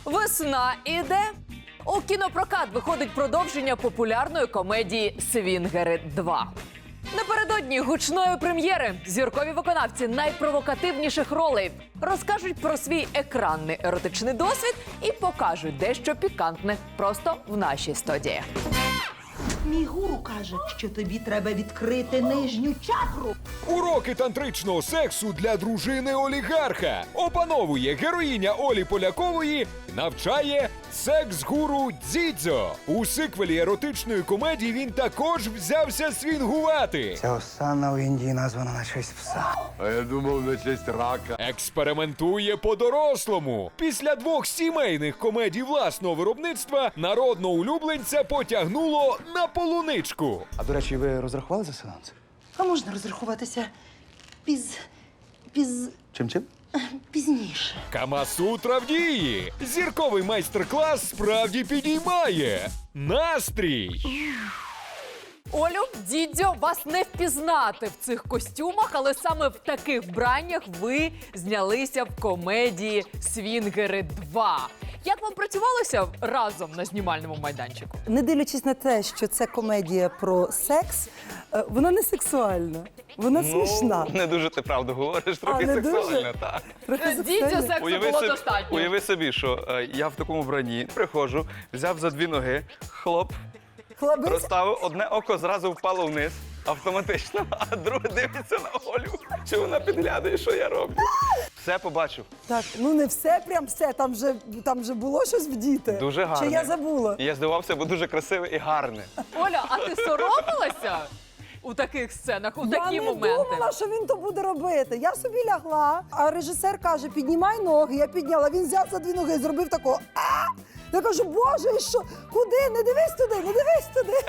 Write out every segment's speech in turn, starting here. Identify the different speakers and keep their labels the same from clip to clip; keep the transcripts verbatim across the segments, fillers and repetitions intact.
Speaker 1: Весна іде. У кінопрокат виходить продовження популярної комедії «Свінгери два». Напередодні гучної прем'єри зіркові виконавці найпровокативніших ролей розкажуть про свій екранний еротичний досвід і покажуть дещо пікантне просто в нашій студії.
Speaker 2: Мій гуру каже, що тобі треба відкрити нижню чакру.
Speaker 3: Уроки тантричного сексу для дружини олігарха. Опановує героїня Олі Полякової, навчає секс-гуру Дзідзьо. У сиквелі еротичної комедії він також взявся свінгувати.
Speaker 4: Ця осанна у Індії названа на честь пса.
Speaker 5: А я думав, на честь рака.
Speaker 3: Експериментує по-дорослому. Після двох сімейних комедій власного виробництва народного улюбленця потягнуло на полуничку.
Speaker 4: А, до речі, ви розрахували за сеанс?
Speaker 2: А можна розрахуватися піз... піз...
Speaker 4: Чим-чим?
Speaker 2: пізніше.
Speaker 3: Камасутра в дії. Зірковий майстер-клас справді підіймає настрій.
Speaker 1: Олю, Дідьо, вас не впізнати в цих костюмах, але саме в таких вбраннях ви знялися в комедії «Свінгери два». Як вам працювалося разом на знімальному майданчику?
Speaker 6: Не дивлячись на те, що це комедія про секс, е, вона не сексуальна, вона смішна.
Speaker 7: Не дуже ти правду говориш, трохи
Speaker 6: не дуже?
Speaker 7: сексуально, так.
Speaker 6: Трохи
Speaker 1: Дідьо
Speaker 6: сексуальна.
Speaker 1: сексу
Speaker 7: Уяви
Speaker 1: було
Speaker 7: собі,
Speaker 1: достатньо.
Speaker 7: уяви собі, що е, я в такому вбранні приходжу, взяв за дві ноги, хлоп,
Speaker 6: Хлопець,
Speaker 7: розставив, одне око зразу впало вниз, автоматично, а друге дивиться на Олю, чи вона підглядає, що я роблю. Все побачив.
Speaker 6: так, ну не все, прям все, там вже, там вже було щось вдіти.
Speaker 7: Дуже гарне.
Speaker 6: Чи я забула?
Speaker 7: І я здивався, бо дуже красиве і гарне.
Speaker 1: Оля, а ти соромилася у таких сценах, у
Speaker 6: Я
Speaker 1: такі
Speaker 6: не
Speaker 1: моменти?
Speaker 6: думала, що він то буде робити. Я собі лягла, а режисер каже, піднімай ноги. Я підняла, він взяв за дві ноги, зробив такого. А! Я кажу, боже, і що? Куди? Не дивись туди, не дивись туди.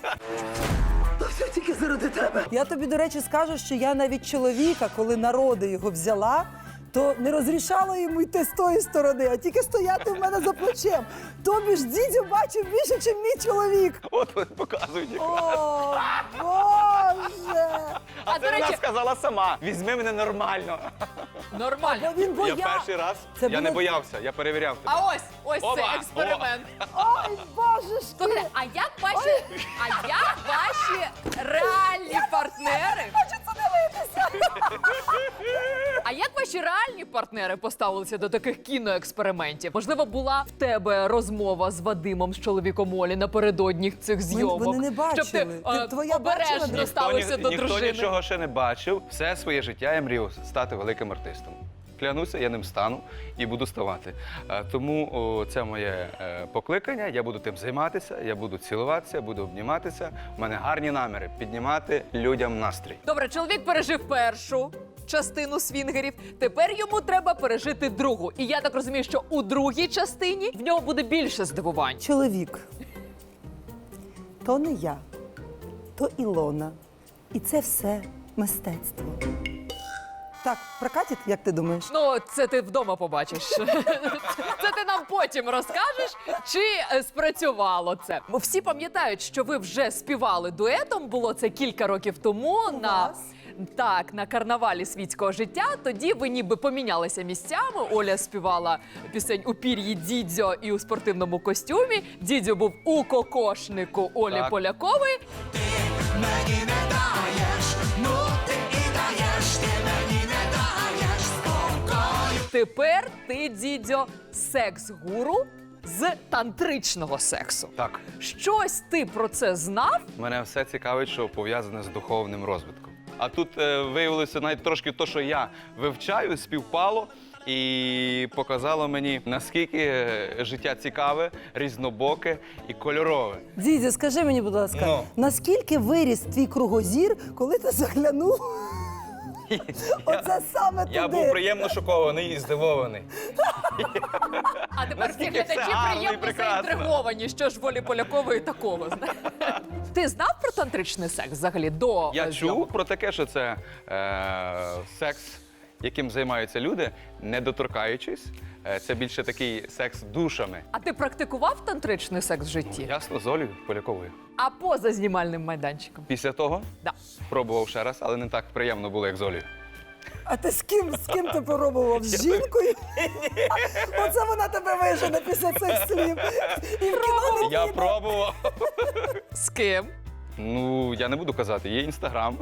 Speaker 2: То все тільки заради тебе.
Speaker 6: Я тобі, до речі, скажу, що я навіть чоловіка, коли народи його взяла, то не розрішала йому йти з тої сторони, а тільки стояти в мене за плечем. Тобі ж Дідзьо бачив більше, ніж мій чоловік.
Speaker 7: От вони показують якраз.
Speaker 6: О, Боже!
Speaker 7: А
Speaker 1: до
Speaker 7: це вона
Speaker 1: речі-
Speaker 7: сказала сама. Візьми мене нормально.
Speaker 1: Нормально.
Speaker 6: Він
Speaker 7: Я
Speaker 6: боявся.
Speaker 7: перший раз,
Speaker 6: Це
Speaker 7: я не
Speaker 6: було-
Speaker 7: боявся, я перевіряв тебе.
Speaker 1: А ось, ось
Speaker 7: Опа,
Speaker 1: це експеримент.
Speaker 6: Ой, боже ж
Speaker 1: Слухайте,
Speaker 6: ти!
Speaker 1: а як ваші, а як ваші реальні партнери?
Speaker 6: Хочу це дивитися!
Speaker 1: А як ваші реальні партнери поставилися до таких кіноекспериментів? Можливо, була в тебе розмова з Вадимом, з чоловіком Олі напередодні цих зйомок?
Speaker 6: вони не бачили.
Speaker 1: Щоб ти,
Speaker 6: Ти-
Speaker 1: е,
Speaker 6: твоя бачила,
Speaker 1: обережно
Speaker 6: де?
Speaker 1: ставився
Speaker 7: ні-
Speaker 1: до
Speaker 7: ніхто
Speaker 1: дружини.
Speaker 7: нічого ще не бачив. Все своє життя я мріяв стати великим артистом. Клянуся, я ним стану і буду ставати. Е, Тому о, це моє е, покликання. Я буду тим займатися, я буду цілуватися, буду обніматися. У мене гарні наміри піднімати людям настрій.
Speaker 1: Добре, чоловік пережив першу частину свінгерів. Тепер йому треба пережити другу. І я так розумію, що у другій частині в нього буде більше здивувань.
Speaker 6: Чоловік. То не я, то Ілона. І це все мистецтво. Так, прокатить, як ти думаєш?
Speaker 1: Ну, це ти вдома побачиш. Це ти нам потім розкажеш, чи е, спрацювало це. Бо всі пам'ятають, що ви вже співали дуетом. Було це кілька років тому на
Speaker 6: вас?
Speaker 1: так, на карнавалі світського життя. Тоді ви ніби помінялися місцями. Оля співала пісень у пір'ї Дідзьо і у спортивному костюмі. Дідзьо був у кокошнику Олі
Speaker 7: Так.
Speaker 1: Полякової. Тепер ти, Дідзьо, секс-гуру з тантричного сексу.
Speaker 7: Так,
Speaker 1: Щось ти про це знав?
Speaker 7: мене все цікавить, що пов'язане з духовним розвитком. А тут е, виявилося навіть трошки то, що я вивчаю, співпало. І показало мені, наскільки е, життя цікаве, різнобоке і кольорове.
Speaker 6: Дідзьо, скажи мені, будь ласка,
Speaker 7: Ну.
Speaker 6: наскільки виріс твій кругозір, коли ти заглянув? Оце саме туди.
Speaker 7: Я був приємно шокований і здивований.
Speaker 1: А тепер всі
Speaker 7: Наскільки все
Speaker 1: глядачі
Speaker 7: гарно і
Speaker 1: приємно
Speaker 7: прекрасно.
Speaker 1: заінтриговані, що ж волі Полякової такого. знаєш? Ти знав про тантричний секс взагалі до
Speaker 7: Я
Speaker 1: е,
Speaker 7: чув
Speaker 1: зйомок?
Speaker 7: про таке, що це е, секс, яким займаються люди, не доторкаючись. Е, Це більше такий секс душами.
Speaker 1: А ти практикував тантричний секс в житті?
Speaker 7: Ясно, з Олею Поляковою.
Speaker 1: А поза знімальним майданчиком?
Speaker 7: Після того
Speaker 1: Да.
Speaker 7: пробував ще раз, але не так приємно було, як з Олею.
Speaker 6: А ти з ким, з ким ти пробував? З жінкою? Оце вона тебе вижене після цих слів. І в кіно не
Speaker 7: Я
Speaker 6: піде.
Speaker 7: пробував.
Speaker 1: З ким?
Speaker 7: Ну, я не буду казати, є інстаграм.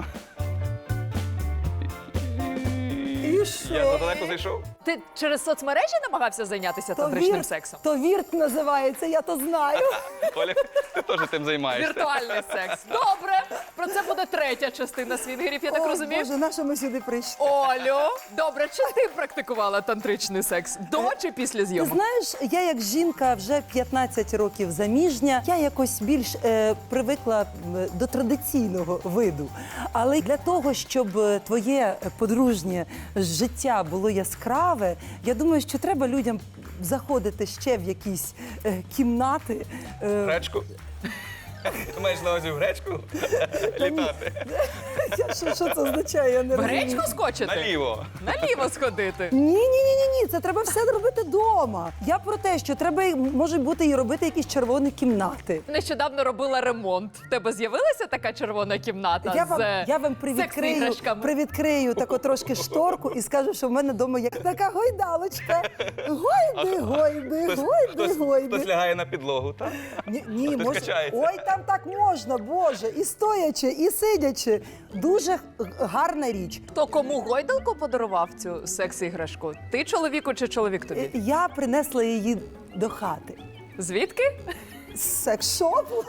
Speaker 6: І що?
Speaker 7: Я задалеко зайшов.
Speaker 1: Ти через соцмережі намагався зайнятися
Speaker 6: То
Speaker 1: тантричним
Speaker 6: вірт-
Speaker 1: сексом?
Speaker 6: То вірт називається, я то знаю.
Speaker 7: Оля, ти теж тим займаєшся.
Speaker 1: Віртуальний секс. Добре. Про це буде третя частина свінгерів, я так
Speaker 6: О,
Speaker 1: розумію.
Speaker 6: Боже, на що ми сюди прийшли?
Speaker 1: Олю, добре, чи ти практикувала тантричний секс? До чи після
Speaker 6: Ти
Speaker 1: зйомок?
Speaker 6: знаєш, я як жінка вже п'ятнадцять років заміжня, я якось більш е, привикла м, до традиційного виду. Але для того, щоб е, твоє подружнє життя було яскраве, я думаю, що треба людям заходити ще в якісь е, кімнати. Е,
Speaker 7: Гречку? Ти маєш на увазі в гречку? Літати.
Speaker 6: я- що, що це означає? Я не
Speaker 1: В
Speaker 6: розумію.
Speaker 1: гречку скочити?
Speaker 7: Наліво.
Speaker 1: Наліво сходити.
Speaker 6: Ні, ні, ні, ні, ні, це треба все робити вдома. Я про те, що треба, і- може бути, і робити якісь червоні кімнати.
Speaker 1: Нещодавно робила ремонт. В тебе з'явилася така червона кімната
Speaker 6: Я вам,
Speaker 1: з
Speaker 6: я вам
Speaker 1: секс-іграшками?
Speaker 6: привідкрию, привідкрию таку трошки шторку і скажу, що в мене вдома є така гойдалочка. Гойди, гойди,
Speaker 7: Хтось,
Speaker 6: гойди,
Speaker 7: хтось, хтось
Speaker 6: гойди.
Speaker 7: лягає на підлогу, так?
Speaker 6: Ні, ні,
Speaker 7: хтось
Speaker 6: може.
Speaker 7: качається.
Speaker 6: Ой, там так можна, Боже, і стоячи, і сидячи. Дуже г- гарна річ.
Speaker 1: Хто кому гойдалку подарував цю секс-іграшку? Ти чоловіку чи чоловік
Speaker 6: Е,
Speaker 1: тобі?
Speaker 6: Я принесла її до хати.
Speaker 1: Звідки?
Speaker 6: З секс-шопу.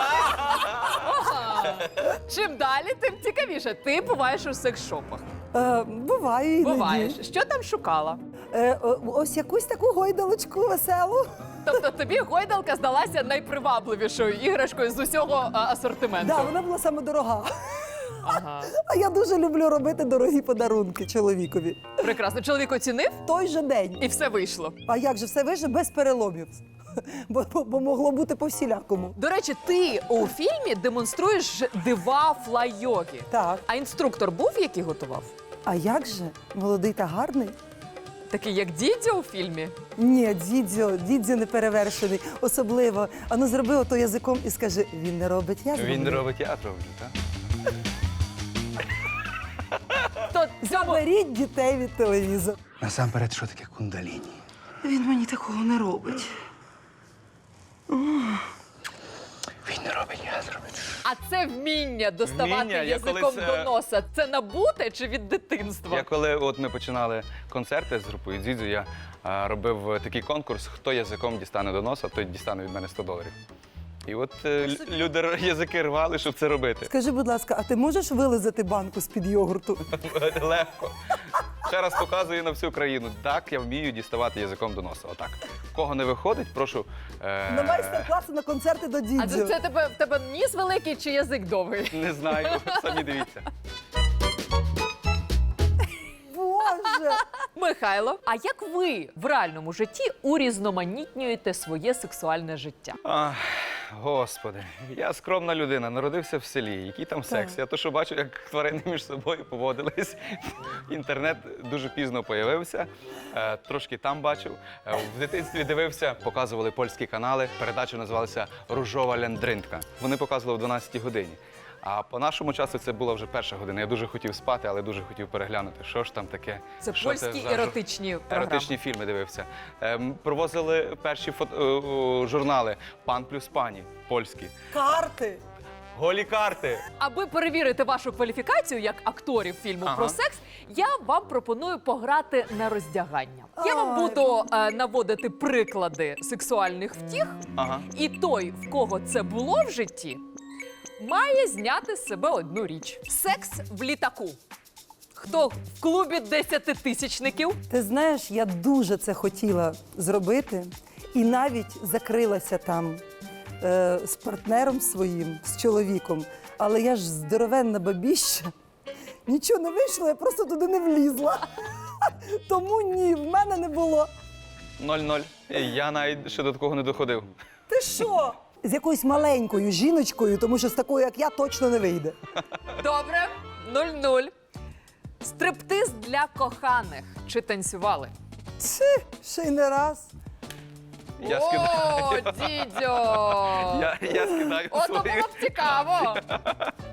Speaker 1: Чим далі, тим цікавіше. Ти буваєш у секс-шопах.
Speaker 6: Е, буваю іноді.
Speaker 1: Буваєш. Що там шукала?
Speaker 6: Е, о- ось якусь таку гойдалочку веселу.
Speaker 1: Тобто тобі гойдалка здалася найпривабливішою іграшкою з усього а, асортименту.
Speaker 6: Да, вона була саме дорога.
Speaker 1: Ага.
Speaker 6: А я дуже люблю робити дорогі подарунки чоловікові.
Speaker 1: Прекрасно. Чоловік оцінив
Speaker 6: Той же день.
Speaker 1: і все вийшло.
Speaker 6: А як же все вийшло без переломів? Бо, бо, бо могло бути по всілякому.
Speaker 1: До речі, ти у фільмі демонструєш дива флай-йоги.
Speaker 6: Так.
Speaker 1: А інструктор був, який готував?
Speaker 6: А як же? Молодий та гарний?
Speaker 1: Такий, як дідзьо у фільмі.
Speaker 6: Ні, дідзьо, дідзьо не перевершений. Особливо. Ану, зроби ото язиком і скажи, він не робить, я зроблю.
Speaker 7: Він робить, я роблю, так?
Speaker 1: То цьому
Speaker 6: Заберіть дітей від телевізора.
Speaker 4: Насамперед, що таке кундаліні?
Speaker 2: Він мені такого не робить.
Speaker 4: Він не робить, я зроблю.
Speaker 1: А це вміння доставати
Speaker 7: Вміння? Я
Speaker 1: язиком
Speaker 7: коли це-
Speaker 1: до носа. Це набуте чи від дитинства?
Speaker 7: Я коли от ми починали концерти з групою Дзідзю, я а, робив такий конкурс, хто язиком дістане до носа, той дістане від мене сто доларів. І от е, лю- люди р- язики рвали, щоб це робити.
Speaker 6: Скажи, будь ласка, а ти можеш вилизати банку з-під йогурту?
Speaker 7: Легко. Ще раз показую на всю країну. Так, я вмію діставати язиком до носа. Отак. В Кого не виходить, прошу. Е...
Speaker 6: На майстер-класи, на концерти до
Speaker 1: А це,
Speaker 6: дідзьо.
Speaker 1: це тебе в тебе ніс великий чи язик довгий?
Speaker 7: Не знаю, самі дивіться.
Speaker 6: Боже!
Speaker 1: Михайло, а як ви в реальному житті урізноманітнюєте своє сексуальне життя?
Speaker 7: Ах, господи, я скромна людина, народився в селі. Який там секс? Я то, що бачу, як тварини між собою поводились. Інтернет дуже пізно появився, е, трошки там бачив. Е, В дитинстві дивився, показували польські канали. Передача називалася Ружова ляндринка. Вони показували в дванадцятій годині. А по нашому часу це була вже перша година. Я дуже хотів спати, але дуже хотів переглянути, що ж там таке.
Speaker 1: Це
Speaker 7: що
Speaker 1: польські
Speaker 7: за жур-
Speaker 1: еротичні програми.
Speaker 7: Еротичні фільми дивився. Ем, Провозили перші фото- о, о, журнали «Пан плюс пані» польські.
Speaker 6: Карти!
Speaker 7: Голі карти.
Speaker 1: Аби перевірити вашу кваліфікацію як акторів фільму
Speaker 7: Ага.
Speaker 1: про секс, я вам пропоную пограти на роздягання. Я вам
Speaker 6: Ай.
Speaker 1: буду е, наводити приклади сексуальних втіх,
Speaker 7: Ага.
Speaker 1: і той, в кого це було в житті, має зняти з себе одну річ: секс в літаку. Хто в клубі десятитисячників?
Speaker 6: Ти знаєш, я дуже це хотіла зробити і навіть закрилася там е, з партнером своїм, з чоловіком. Але я ж здоровенна бабіща. Нічого не вийшло, я просто туди не влізла. Тому ні, в мене не було.
Speaker 7: Нуль-нуль. Я навіть ще до такого не доходив.
Speaker 6: Ти що? З якоюсь маленькою жіночкою, тому що з такою, як я, точно не вийде.
Speaker 1: Добре, нуль-нуль. Стриптиз для коханих. Чи танцювали?
Speaker 6: Чи, ще й не раз.
Speaker 7: Я
Speaker 1: О,
Speaker 7: скидаю.
Speaker 1: дідьо!
Speaker 7: Я, я скидаю
Speaker 1: Ото
Speaker 7: свої.
Speaker 1: було б цікаво.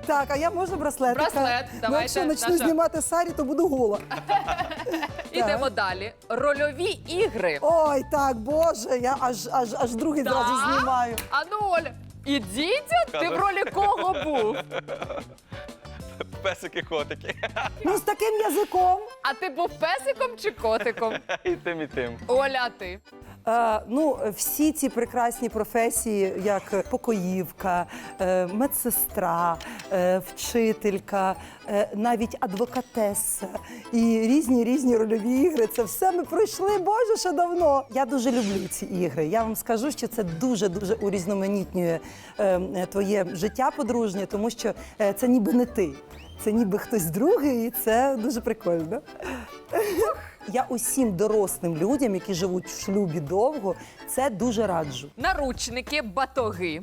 Speaker 6: Так, а я можу браслетика?
Speaker 1: Браслет,
Speaker 6: Ну,
Speaker 1: давайте,
Speaker 6: якщо почну
Speaker 1: наша-
Speaker 6: знімати сарі, то буду гола.
Speaker 1: Ідемо далі. Рольові ігри.
Speaker 6: Ой, так, боже, я аж, аж, аж другий
Speaker 1: Да?
Speaker 6: зразу знімаю.
Speaker 1: А ну, Оля, і Дідзьо, ти в ролі кого був?
Speaker 7: Песики-котики.
Speaker 6: Ну, з таким язиком.
Speaker 1: А ти був песиком чи котиком?
Speaker 7: І тим, і тим.
Speaker 1: Оля, а ти?
Speaker 6: Е, ну, всі ці прекрасні професії, як покоївка, е, медсестра, е, вчителька, е, навіть адвокатеса і різні різні рольові ігри. Це все ми пройшли, боже, ще давно. Я дуже люблю ці ігри. Я вам скажу, що це дуже дуже урізноманітнює е, твоє життя подружнє, тому що е, це ніби не ти. Це ніби хтось другий, і це дуже прикольно. Я усім дорослим людям, які живуть в шлюбі довго, це дуже раджу.
Speaker 1: Наручники, батоги.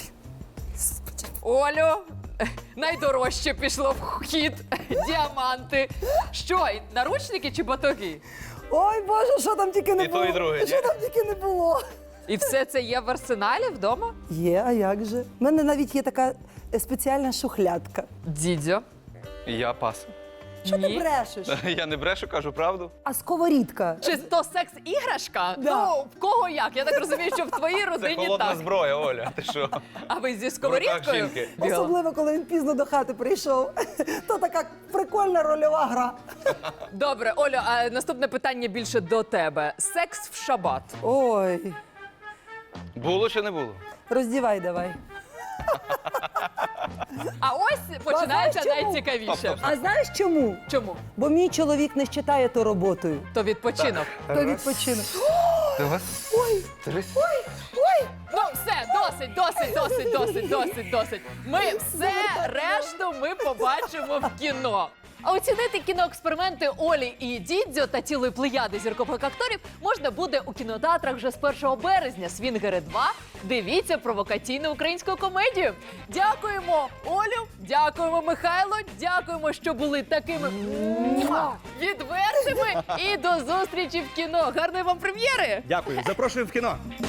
Speaker 1: Олю, найдорожче пішло в хід. Діаманти. Що, наручники чи батоги?
Speaker 6: Ой, Боже, що там тільки не
Speaker 7: І то,
Speaker 6: було.
Speaker 7: і друге, ні?
Speaker 6: Що там тільки не було.
Speaker 1: І все це є в арсеналі вдома?
Speaker 6: Є, а як же? У мене навіть є така е, спеціальна шухлядка.
Speaker 1: Дідзьо.
Speaker 7: Я пас.
Speaker 6: Що ти
Speaker 1: Ні.
Speaker 6: брешеш?
Speaker 7: Я не брешу, кажу правду.
Speaker 6: А сковорідка?
Speaker 1: Чи то секс-іграшка?
Speaker 6: Да.
Speaker 1: Ну, в кого як? Я так розумію, що в твоїй
Speaker 7: Це
Speaker 1: родині
Speaker 7: холодна
Speaker 1: так.
Speaker 7: зброя, Оля. Ти що?
Speaker 1: А ви зі
Speaker 7: В руках
Speaker 1: сковорідкою?
Speaker 7: жінки.
Speaker 6: Особливо, коли він пізно до хати прийшов. То така прикольна рольова гра.
Speaker 1: Добре, Олю, а наступне питання більше до тебе. Секс в шабат.
Speaker 6: Ой,
Speaker 7: Було чи не було?
Speaker 6: роздівай давай.
Speaker 1: А ось починається
Speaker 6: А знаєш чому?
Speaker 1: найцікавіше.
Speaker 6: А знаєш чому?
Speaker 1: Чому?
Speaker 6: Бо мій чоловік не вважає то роботою.
Speaker 1: То відпочинок.
Speaker 6: То відпочинок.
Speaker 7: Та вас
Speaker 6: Ой,
Speaker 7: три.
Speaker 1: Ну, все, досить, досить, досить, досить, досить, досить. Ми все решту ми побачимо в кіно. А оцінити кіноексперименти Олі і Дідзьо та цілої плеяди зіркових акторів можна буде у кінотеатрах вже з першого березня. Свінгери два. Дивіться провокаційну українську комедію. Дякуємо Олю, дякуємо Михайло, дякуємо, що були такими муа, відвертими. І до зустрічі в кіно. Гарної вам прем'єри!
Speaker 4: Дякую, запрошую в кіно.